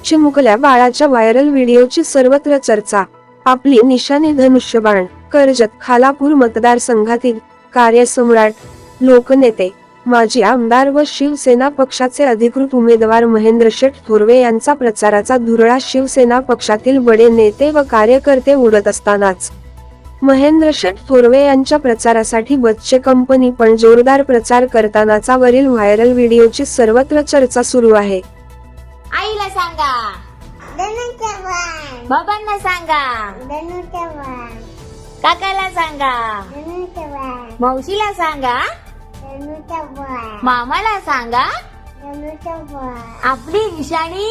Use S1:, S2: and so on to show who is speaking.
S1: चिमुकल्या बाळाच्या व्हायरल व्हिडिओची सर्वत्र चर्चा. आपली निशाणी धनुष्यबाण. कर्जत खालापूर मतदारसंघातील कार्यसम्राट, लोकनेते, माजी आमदार व शिवसेना पक्षाचे अधिकृत उमेदवार महेंद्र शेठ थोरवे यांचा प्रचाराचा धुरळा शिवसेना पक्षातील बडे नेते व कार्यकर्ते उडत असतानाच महेंद्र शेठ थोरवे यांच्या प्रचारासाठी बच्चे कंपनी पण जोरदार प्रचार करतानाचा वरील व्हायरल व्हिडिओची सर्वत्र चर्चा सुरू आहे.
S2: आईला सांगा, बाबांना सांगा, काकाला सांगा, मावशीला सांगा, मामाला सांगा, आपली निशाणी